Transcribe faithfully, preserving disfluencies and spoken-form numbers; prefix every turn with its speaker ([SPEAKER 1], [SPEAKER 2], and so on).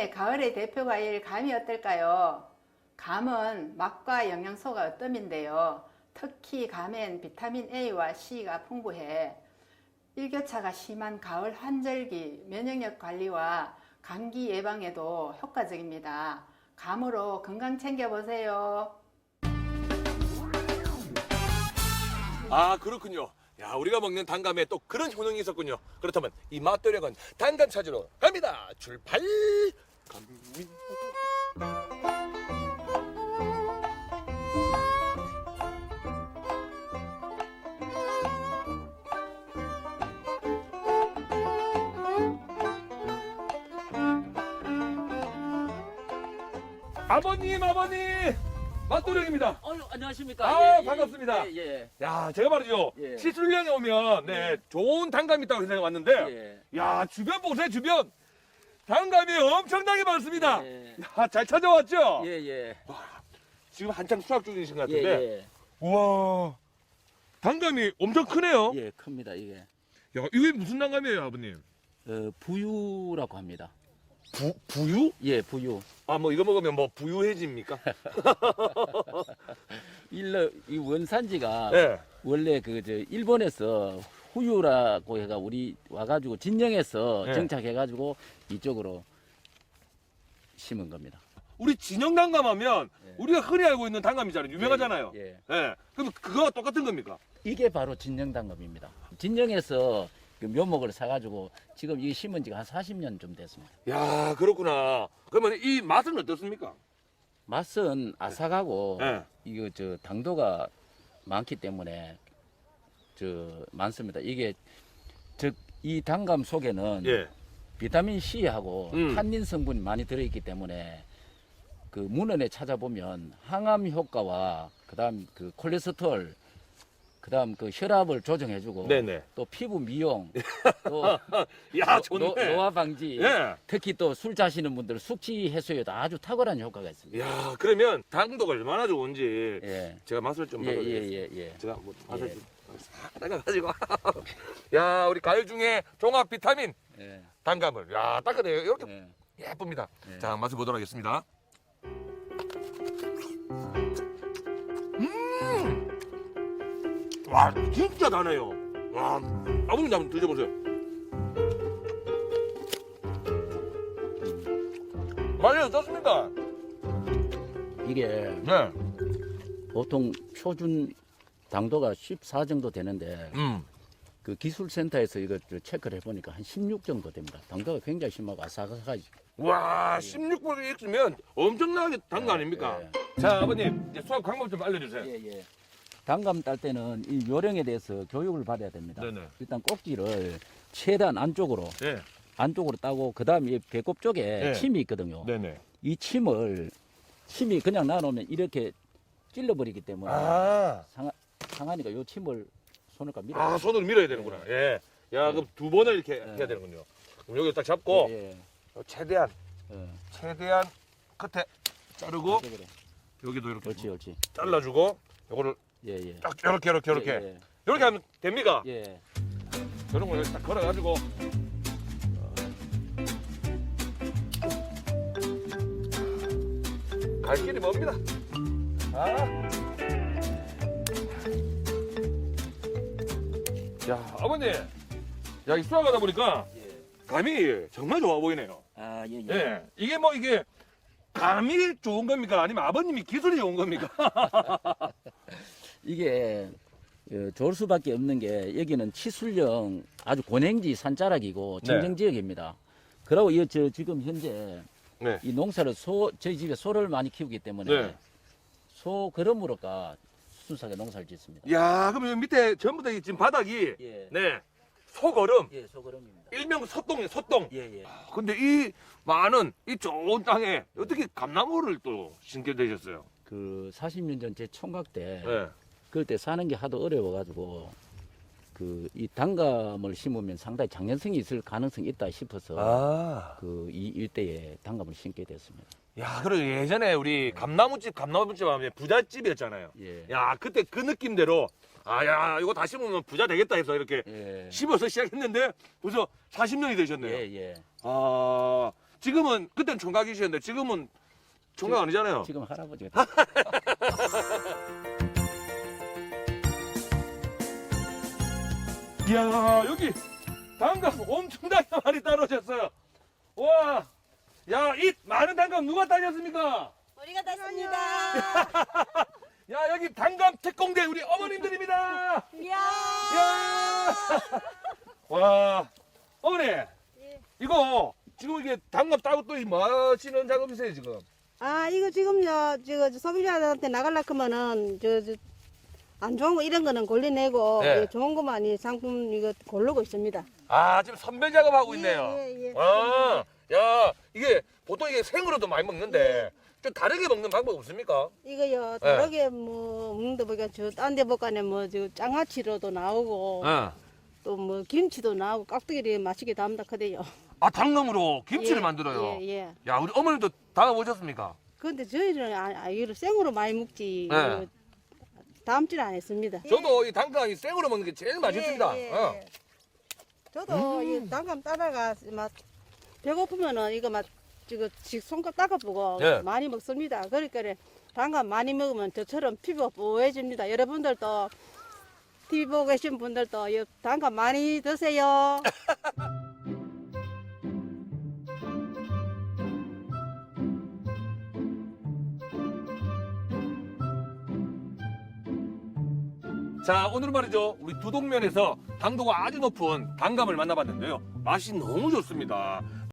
[SPEAKER 1] 올해 가을의 대표 과일 감이 어떨까요? 감은 맛과 영양소가 어뜸인데요. 특히 감엔 비타민 A와 C가 풍부해 일교차가 심한 가을 환절기 면역력 관리와 감기 예방에도 효과적입니다. 감으로 건강 챙겨보세요.
[SPEAKER 2] 아, 그렇군요. 야, 우리가 먹는 단감에 또 그런 효능이 있었군요. 그렇다면 이 맛도력은 단감 찾으러 갑니다. 출발! 감미. 아버님, 아버님! 맛도력입니다.
[SPEAKER 3] 어유 안녕하십니까.
[SPEAKER 2] 아,
[SPEAKER 3] 예, 예,
[SPEAKER 2] 반갑습니다.
[SPEAKER 3] 예, 예.
[SPEAKER 2] 야, 제가 말이죠.
[SPEAKER 3] 예.
[SPEAKER 2] 시술령에 오면 네, 좋은 단감이 있다고 생각해 왔는데
[SPEAKER 3] 예.
[SPEAKER 2] 야, 주변 보세요, 주변. 단감이 엄청나게 많습니다.
[SPEAKER 3] 예.
[SPEAKER 2] 야, 잘 찾아왔죠?
[SPEAKER 3] 예, 예.
[SPEAKER 2] 지금 한창 수확 중이신 것
[SPEAKER 3] 예,
[SPEAKER 2] 같은데.
[SPEAKER 3] 예.
[SPEAKER 2] 우와. 단감이 엄청 크네요.
[SPEAKER 3] 예, 큽니다, 이게.
[SPEAKER 2] 야, 이게 무슨 단감이에요, 아버님?
[SPEAKER 3] 어, 부유라고 합니다.
[SPEAKER 2] 부, 부유?
[SPEAKER 3] 예, 부유.
[SPEAKER 2] 아, 뭐 이거 먹으면 뭐 부유해집니까?
[SPEAKER 3] 일러 이 원산지가
[SPEAKER 2] 네.
[SPEAKER 3] 원래 그 저 일본에서 후유라고 해가 우리 와가지고 진영에서
[SPEAKER 2] 네.
[SPEAKER 3] 정착해가지고 이쪽으로 심은 겁니다.
[SPEAKER 2] 우리 진영 단감 하면
[SPEAKER 3] 예.
[SPEAKER 2] 우리가 흔히 알고 있는 단감이잖아요. 유명하잖아요.
[SPEAKER 3] 예, 예.
[SPEAKER 2] 예. 그럼 그거와 똑같은 겁니까?
[SPEAKER 3] 이게 바로 진영 단검입니다. 진영에서 그 묘목을 사가지고 지금 이게 심은 지가 한 사십 년 좀 됐습니다.
[SPEAKER 2] 야, 그렇구나. 그러면 이 맛은 어떻습니까?
[SPEAKER 3] 맛은 아삭하고
[SPEAKER 2] 예.
[SPEAKER 3] 이거 저 당도가 많기 때문에 저 많습니다. 이게 즉 이 단감 속에는
[SPEAKER 2] 예.
[SPEAKER 3] 비타민 C하고
[SPEAKER 2] 음.
[SPEAKER 3] 탄닌 성분이 많이 들어있기 때문에 그 문헌에 찾아보면 항암 효과와 그다음 그 콜레스테롤 그다음 그 혈압을 조정해주고
[SPEAKER 2] 네네.
[SPEAKER 3] 또 피부 미용 또
[SPEAKER 2] 야,
[SPEAKER 3] 노-
[SPEAKER 2] 좋네.
[SPEAKER 3] 노화 방지
[SPEAKER 2] 예.
[SPEAKER 3] 특히 또 술 자시는 분들 숙취 해소에도 아주 탁월한 효과가 있습니다.
[SPEAKER 2] 야, 그러면 당도가 얼마나 좋은지
[SPEAKER 3] 예.
[SPEAKER 2] 제가 맛을 좀
[SPEAKER 3] 예,
[SPEAKER 2] 봐드리겠습니다.
[SPEAKER 3] 예, 예, 예.
[SPEAKER 2] 제가 뭐 맛을
[SPEAKER 3] 예.
[SPEAKER 2] 좀 따가가지고. 야, 우리 가을 중에 종합 비타민
[SPEAKER 3] 예.
[SPEAKER 2] 단감을. 야, 따끈해요. 이렇게
[SPEAKER 3] 예.
[SPEAKER 2] 예쁩니다.
[SPEAKER 3] 예.
[SPEAKER 2] 자, 맛을 보도록 하겠습니다. 음! 와, 진짜 다네요. 와, 아버님 한번 드셔보세요. 맛이 어떻습니까?
[SPEAKER 3] 이게
[SPEAKER 2] 네.
[SPEAKER 3] 보통 표준 당도가 십사 정도 되는데
[SPEAKER 2] 음.
[SPEAKER 3] 그 기술센터에서 이거 저 체크를 해보니까 한 십육 정도 됩니다. 당도가 굉장히 심하고 아삭아삭하지.
[SPEAKER 2] 와, 십육 분이 있으면 엄청나게 단 거 아닙니까?
[SPEAKER 3] 예.
[SPEAKER 2] 자, 아버님, 이제 수학 방법 좀 알려주세요.
[SPEAKER 3] 예, 예. 단감 딸 때는 이 요령에 대해서 교육을 받아야 됩니다.
[SPEAKER 2] 네네.
[SPEAKER 3] 일단 꼭지를 최대한 안쪽으로
[SPEAKER 2] 네.
[SPEAKER 3] 안쪽으로 따고 그다음 이 배꼽 쪽에
[SPEAKER 2] 네.
[SPEAKER 3] 침이 있거든요.
[SPEAKER 2] 네네.
[SPEAKER 3] 이 침을 침이 그냥 놔놓으면 이렇게 찔러버리기 때문에
[SPEAKER 2] 아,
[SPEAKER 3] 상하, 상하니까 요 침을 손을 밀어.
[SPEAKER 2] 아, 손으로 밀어야 되는구나. 예. 야, 그럼 두 번을 이렇게 해야 되는군요. 그럼 여기 딱 잡고,
[SPEAKER 3] 예, 예.
[SPEAKER 2] 최대한,
[SPEAKER 3] 예.
[SPEAKER 2] 최대한 끝에 자르고,
[SPEAKER 3] 그래, 그래.
[SPEAKER 2] 여기도 이렇게
[SPEAKER 3] 옳지, 옳지.
[SPEAKER 2] 잘라주고, 요거를
[SPEAKER 3] 예, 예.
[SPEAKER 2] 딱 이렇게, 이렇게, 이렇게.
[SPEAKER 3] 예,
[SPEAKER 2] 이렇게 하면 됩니까?
[SPEAKER 3] 예. 예.
[SPEAKER 2] 이런 거 여기 딱 걸어가지고. 갈 길이 멉니다. 아. 야, 아버님. 야, 이 수학하다 보니까
[SPEAKER 3] 예.
[SPEAKER 2] 감이 정말 좋아 보이네요.
[SPEAKER 3] 아, 예, 예.
[SPEAKER 2] 예. 이게 뭐 이게 감이 좋은 겁니까? 아니면 아버님이 기술이 좋은 겁니까?
[SPEAKER 3] 이게 어, 좋을 수밖에 없는 게 여기는 치술령 아주 고냉지 산자락이고
[SPEAKER 2] 네.
[SPEAKER 3] 청정 지역입니다. 그리고 이 저 지금 현재
[SPEAKER 2] 네.
[SPEAKER 3] 이 농사를 소 저희 집에 소를 많이 키우기 때문에
[SPEAKER 2] 네.
[SPEAKER 3] 소 그러므로가 순수하게 농사를 짓습니다.
[SPEAKER 2] 야, 그럼 여기 밑에 전부 다 이 지금 바닥이
[SPEAKER 3] 예.
[SPEAKER 2] 네. 소거름.
[SPEAKER 3] 예, 소그름입니다.
[SPEAKER 2] 일명 소똥이에요, 소똥.
[SPEAKER 3] 예, 예.
[SPEAKER 2] 근데 이 많은 이 좋은 땅에 어떻게 감나무를 또 심게 되셨어요?
[SPEAKER 3] 그 사십 년 전 제 총각 때
[SPEAKER 2] 네.
[SPEAKER 3] 그럴 때 사는 게 하도 어려워가지고 그 이 단감을 심으면 상당히 장년성이 있을 가능성이 있다 싶어서
[SPEAKER 2] 아.
[SPEAKER 3] 그 이 일대에 단감을 심게 됐습니다.
[SPEAKER 2] 야, 그리고 예전에 우리 감나무집, 감나무집 하면 부잣집이었잖아요.
[SPEAKER 3] 예.
[SPEAKER 2] 야, 그때 그 느낌대로 아, 야, 이거 다 심으면 부자 되겠다 해서 이렇게
[SPEAKER 3] 예.
[SPEAKER 2] 심어서 시작했는데 벌써 사십 년이 되셨네요.
[SPEAKER 3] 예, 예.
[SPEAKER 2] 아, 지금은 그때는 총각이셨는데 지금은 총각 아니잖아요.
[SPEAKER 3] 지금 할아버지가
[SPEAKER 2] 이야 여기 단감 엄청나게 많이 따놓으셨어요. 와, 야 이 많은 단감 누가 따셨습니까?
[SPEAKER 4] 우리가 땄습니다.
[SPEAKER 2] 야 여기 단감 특공대 우리 어머님들입니다.
[SPEAKER 4] 이야.
[SPEAKER 2] 야, 와 어머니 이거 지금 이게 단감 따고 또 뭐 하시는 작업이세요 지금?
[SPEAKER 4] 아 이거 지금요 저 소비자한테 나가려 하면은 저, 저, 안 좋은 거 이런 거는 골라내고
[SPEAKER 2] 네.
[SPEAKER 4] 이 좋은 것만 이 상품 이거 고르고 있습니다.
[SPEAKER 2] 아 지금 선별 작업하고 있네요.
[SPEAKER 4] 예, 예, 예.
[SPEAKER 2] 아, 야 이게 보통 이게 생으로도 많이 먹는데 좀 다르게 먹는 방법 없습니까?
[SPEAKER 4] 이거요 다르게 뭐 먹는데 보니까 저딴 데 보니까 뭐저 장아찌로도 나오고
[SPEAKER 2] 어.
[SPEAKER 4] 또 뭐 김치도 나오고 깍두기를 맛있게 담다 크대요.
[SPEAKER 2] 아 당감으로 김치를
[SPEAKER 4] 예,
[SPEAKER 2] 만들어요.
[SPEAKER 4] 예, 예.
[SPEAKER 2] 야 우리 어머님도 담아보셨습니까?
[SPEAKER 4] 근데 저희는 아, 아, 이거를 생으로 많이 먹지
[SPEAKER 2] 네.
[SPEAKER 4] 이거 담지는 안 했습니다.
[SPEAKER 2] 저도 이 단감이 생으로 먹는 게 제일 맛있습니다.
[SPEAKER 4] 예, 예,
[SPEAKER 2] 어.
[SPEAKER 4] 예. 저도 이 단감 따다가 막 배고프면은 이거 막 지금 손가락 닦아보고
[SPEAKER 2] 예.
[SPEAKER 4] 많이 먹습니다. 그러니까 단감 많이 먹으면 저처럼 피부가 뽀해집니다. 여러분들도 티비 보고 계신 분들도 이 단감 많이 드세요.
[SPEAKER 2] 자 오늘은 말이죠 우리 두동면에서 당도가 아주 높은 단감을 만나봤는데요 맛이 너무 좋습니다.